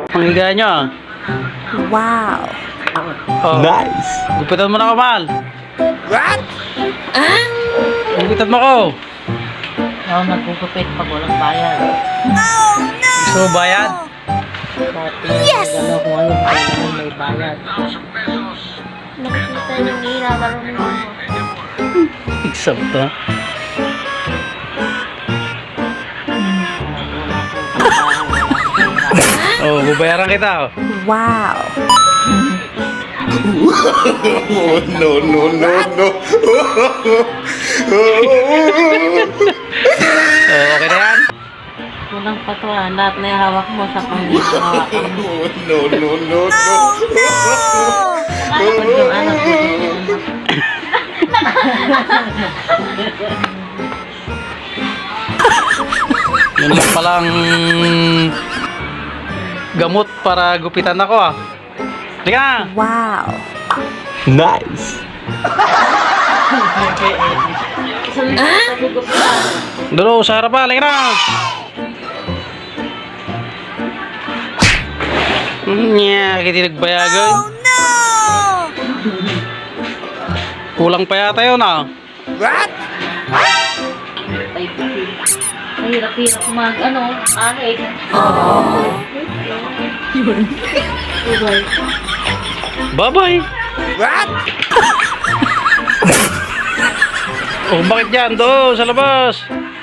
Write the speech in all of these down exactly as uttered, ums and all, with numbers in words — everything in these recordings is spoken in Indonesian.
Panghiga nyo. Wow. Oh. Nice. Gupitan mo na ako, mahal. What? Ah? Gupitan mo ako. Oo, nagugupit pag walang bayad. Oh no! Gusto mo bayad? Dati, Yes! ano kung ano kailangan may bayad. Nakikita yung ilabalong mo. Eksakto. Oh, babayaran kita. Oh. Wow. Oh, no, no, no, no. Oh, okay na yan? Walang patuan, lahat na yung hawak mo sa panghawakan mo. Oh, no, no, no, no. Pag yung anak mo, Yun lang palang gamot para gupitan ako ah. Halika! Wow. Nice. Doon sa harapan, halika na! Nya, kita nagbayagan. Oh no! Kulang pa yata yun ah. What? Mahirap-hirap mag, ano, ahit. Bye-bye! What? Oh, bakit dyan? Doon, sa labas!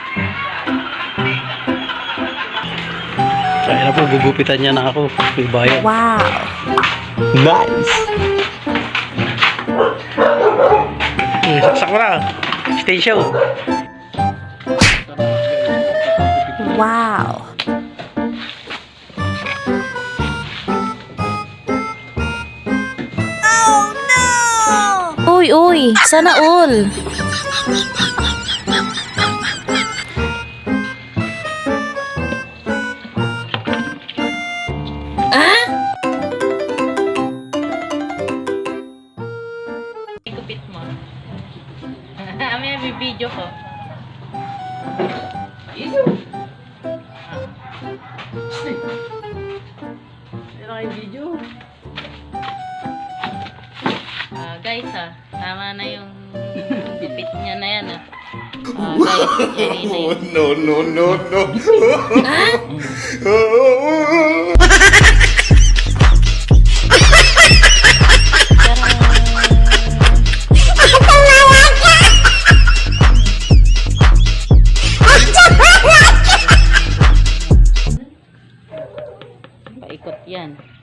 Kaya na po, gugupitan niya na ako. May bayad. Wow. Nice. Hmm, saksak mo na. Stay show. Wow. Oh no! Uy, uy, sana all. Gupit mo. May video ko. Video? Meron kayo video? Ah, guys ah, tama na yung gupit niya na yan ah. Ah, guys, yan na Oh, yun. no, no, no, no. Paikot yan.